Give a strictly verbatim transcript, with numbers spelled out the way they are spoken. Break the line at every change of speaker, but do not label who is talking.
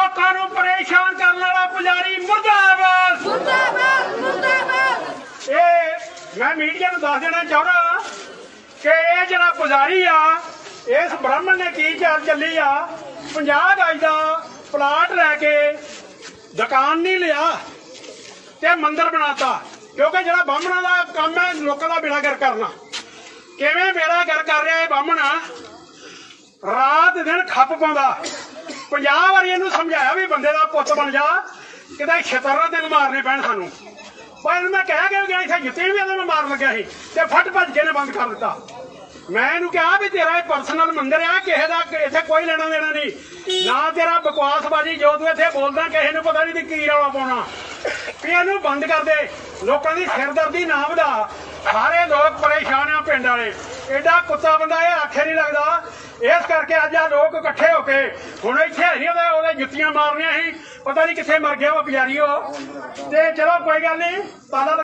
ਲੋਕਾਂ ਨੂੰ ਪਰੇਸ਼ਾਨ ਕਰਨ ਵਾਲਾ ਪੁਜਾਰੀ ਮੁਰਦਾਬਾਦ
ਮੁਰਦਾਬਾਦ ਮੁਰਦਾਬਾਦ।
ਇਹ ਮੈਂ ਮੀਡੀਆ ਨੂੰ ਦੱਸ ਦੇਣਾ ਚਾਹੁੰਦਾ ਕਿ ਇਹ ਜਿਹੜਾ ਪੁਜਾਰੀ ਆ ਇਸ ਬ੍ਰਾਹਮਣ ਨੇ ਕੀ ਚਾਲ ਚੱਲੀ ਆ ਪੰਜਾਹ ਗਜ ਦਾ ਪਲਾਟ ਲੈ ਕੇ ਦੁਕਾਨ ਨਹੀਂ ਲਿਆ ਤੇ ਮੰਦਿਰ ਬਣਾਤਾ ਕਿਉਂਕਿ ਜਿਹੜਾ ਬਾਹਮਣਾ ਦਾ ਕੰਮ ਹੈ ਲੋਕਾਂ ਦਾ ਬੇੜਾ ਗਰਕ ਕਰਨਾ। ਕਿਵੇਂ ਬੇੜਾ ਗਰਕ ਕਰ ਰਿਹਾ ਇਹ ਬਾਹਮਣ ਰਾਤ ਦਿਨ ਖੱਪ ਪਾਉਂਦਾ। ਪੰਜਾਹ ਵਾਰੀ ਇਹਨੂੰ ਸਮਝਾਇਆ ਵੀ ਬੰਦੇ ਦਾ ਪੁੱਤ ਬਣ ਜਾ ਕਿਤੇ ਛਤਰ ਤੈਨੂੰ ਮਾਰਨੇ ਪੈਣ ਸਾਨੂੰ ਪਰ ਇਹਨੂੰ ਮੈਂ ਕਹਿ ਕੇ ਗਿਆ ਇੱਥੇ ਜਿੱਤੇ ਵੀ ਇਹਨੂੰ ਮੈਂ ਮਾਰਨ ਲੱਗਿਆ ਸੀ ਤੇ ਫਟ ਭੱਜ ਕੇ ਨੇ ਬੰਦ ਕਰ ਦਿੱਤਾ। ਮੈਂ ਇਹਨੂੰ ਕਿਹਾ ਵੀ ਤੇਰਾ ਇਹ ਪਰਸਨਲ ਮੰਦਿਰ ਆ ਕਿਸੇ ਦਾ ਇੱਥੇ ਕੋਈ ਲੈਣਾ ਦੇਣਾ ਨਹੀਂ ਨਾ ਤੇਰਾ ਬਕਵਾਸਬਾਜੀ ਜੋ ਤੂੰ ਇੱਥੇ ਬੋਲਦਾ ਕਿਸੇ ਨੂੰ ਪਤਾ ਨਹੀਂ ਕੀ ਰੌਲਾ ਪਾਉਣਾ ਵੀ ਇਹਨੂੰ ਬੰਦ ਕਰ ਦੇ। ਲੋਕਾਂ ਦੀ ਸਿਰਦਰਦੀ ਨਾ ਵਧਾ। ਸਾਰੇ ਲੋਕ ਪਰੇਸ਼ਾਨ ਆ ਪਿੰਡ ਵਾਲੇ ਐਡਾ ਕੁੱਤਾ ਬੰਦਾ ਇਹ ਆਖੇ ਨਹੀਂ ਲੱਗਦਾ ਇਸ ਕਰਕੇ ਅੱਜ ਆ ਲੋਕ ਇਕੱਠੇ ਹੋ ਕੇ ਹੁਣ ਇੱਥੇ ਨਹੀਂ ਉਹਦੇ ਉਹਦੇ ਜੁੱਤੀਆਂ ਮਾਰਨੀਆਂ ਸੀ ਪਤਾ ਨਹੀਂ ਕਿੱਥੇ ਮਰ ਗਿਆ ਉਹ ਪੁਜਾਰੀ ਉਹ ਤੇ ਚਲੋ ਕੋਈ ਗੱਲ ਨਹੀਂ ਤਾਲਾ